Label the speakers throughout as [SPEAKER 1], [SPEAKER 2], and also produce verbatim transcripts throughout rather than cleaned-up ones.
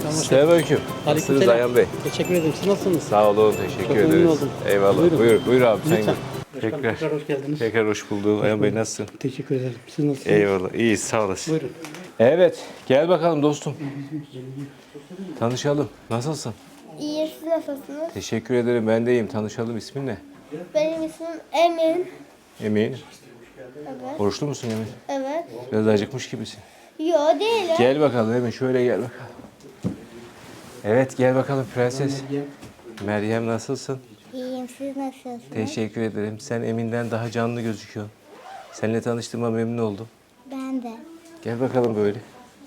[SPEAKER 1] Selamünaleyküm. Nasılsınız
[SPEAKER 2] Aleykümselam.
[SPEAKER 1] Ayhan Bey?
[SPEAKER 2] Teşekkür ederim. Siz nasılsınız?
[SPEAKER 1] Sağ olun, teşekkür
[SPEAKER 2] Çok memnun
[SPEAKER 1] ederiz.
[SPEAKER 2] oldum.
[SPEAKER 1] Eyvallah.
[SPEAKER 2] Buyurun.
[SPEAKER 1] Buyur, buyur abi. Sen
[SPEAKER 2] Lütfen.
[SPEAKER 1] tekrar,
[SPEAKER 2] Başkanım, tekrar hoş geldiniz.
[SPEAKER 1] tekrar hoş bulduk. Ayhan Bey nasılsın?
[SPEAKER 2] Teşekkür ederim. Siz nasılsınız?
[SPEAKER 1] Eyvallah. İyiyiz, sağ olasın.
[SPEAKER 2] Buyurun.
[SPEAKER 1] Evet, gel bakalım dostum. Tanışalım. Nasılsın?
[SPEAKER 3] İyi, siz nasılsınız?
[SPEAKER 1] Teşekkür ederim. Ben de iyiyim. Tanışalım. İsmin ne?
[SPEAKER 3] Benim ismim Emin.
[SPEAKER 1] Emin.
[SPEAKER 3] Evet.
[SPEAKER 1] Oruçlu musun Emin?
[SPEAKER 3] Evet.
[SPEAKER 1] Biraz acıkmış gibisin.
[SPEAKER 3] Yo değilim.
[SPEAKER 1] Gel bakalım Emin. Şöyle gel bakalım. Evet, gel bakalım prenses. Meryem nasılsın?
[SPEAKER 3] İyiyim, siz nasılsınız?
[SPEAKER 1] Teşekkür ederim. Sen Emin'den daha canlı gözüküyorsun. Seninle tanıştığıma memnun oldum.
[SPEAKER 3] Ben de.
[SPEAKER 1] Gel bakalım böyle.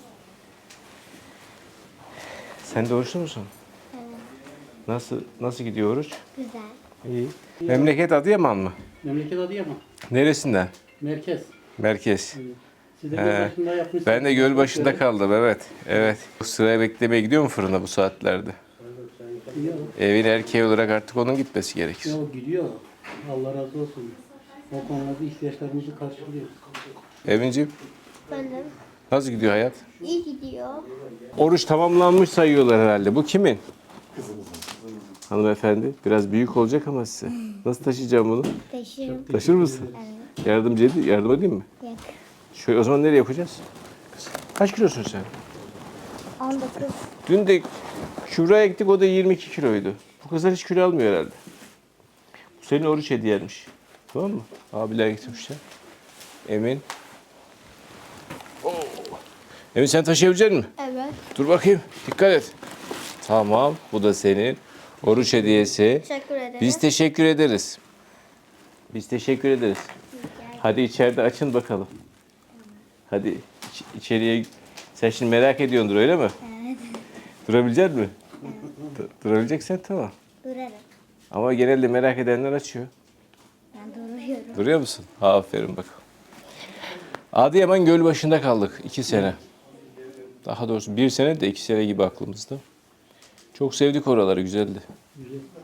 [SPEAKER 1] Sen de oruçlu musun?
[SPEAKER 3] Evet.
[SPEAKER 1] Nasıl nasıl gidiyor oruç?
[SPEAKER 3] Güzel.
[SPEAKER 1] İyi. Memleket Adıyaman mı?
[SPEAKER 2] Memleket Adıyaman.
[SPEAKER 1] Neresinden?
[SPEAKER 2] Merkez.
[SPEAKER 1] Merkez.
[SPEAKER 2] Siz de
[SPEAKER 1] He.
[SPEAKER 2] Gölbaşı'nda yapmışsınız.
[SPEAKER 1] Ben de göl başında kaldım, evet. Evet. Sıraya beklemeye gidiyor mu fırına bu saatlerde?
[SPEAKER 2] Gidiyor.
[SPEAKER 1] Evin erkeği olarak artık onun gitmesi gerekir.
[SPEAKER 2] Yo, gidiyor. Allah razı olsun. O konularda ihtiyaçlarımızı karşılıyor.
[SPEAKER 1] Evinciğim,
[SPEAKER 3] Ben de.
[SPEAKER 1] nasıl gidiyor hayat?
[SPEAKER 3] İyi gidiyor.
[SPEAKER 1] Oruç tamamlanmış sayıyorlar herhalde. Bu kimin? Hanımefendi, biraz büyük olacak ama size. Nasıl taşıyacağım bunu?
[SPEAKER 3] Taşırım.
[SPEAKER 1] Taşır mısın?
[SPEAKER 3] Evet.
[SPEAKER 1] Yardımcı edeyim, yardım edeyim mi?
[SPEAKER 3] Yok.
[SPEAKER 1] Şöyle o zaman nereye yapacağız? Kaç kilosun sen?
[SPEAKER 3] on dokuz.
[SPEAKER 1] Dün de Şuraya ektik, o da yirmi iki kiloydu. Bu kızlar hiç kilo almıyor herhalde. Bu senin oruç hediyenmiş. Tamam mı? Abiler getirmişler. Emin. Oo. Emin sen taşıyabilecek misin?
[SPEAKER 3] Evet.
[SPEAKER 1] Dur bakayım. Dikkat et. Tamam. Bu da senin oruç hediyesi.
[SPEAKER 3] Teşekkür ederim.
[SPEAKER 1] Biz teşekkür ederiz. Biz teşekkür ederiz. Hadi içeride açın bakalım. Hadi iç- içeriye. Sen şimdi merak ediyordur öyle mi?
[SPEAKER 3] Evet.
[SPEAKER 1] Durabilecek misin? Evet. Durabileceksen tamam.
[SPEAKER 3] Durarım.
[SPEAKER 1] Ama genelde merak edenler açıyor.
[SPEAKER 3] Ben duruyorum.
[SPEAKER 1] Duruyor musun? Aferin bakalım. Adıyaman Gölbaşı'nda kaldık iki sene. Daha doğrusu bir sene de iki sene gibi aklımızda. Çok sevdik oraları, güzeldi.
[SPEAKER 2] Güzel.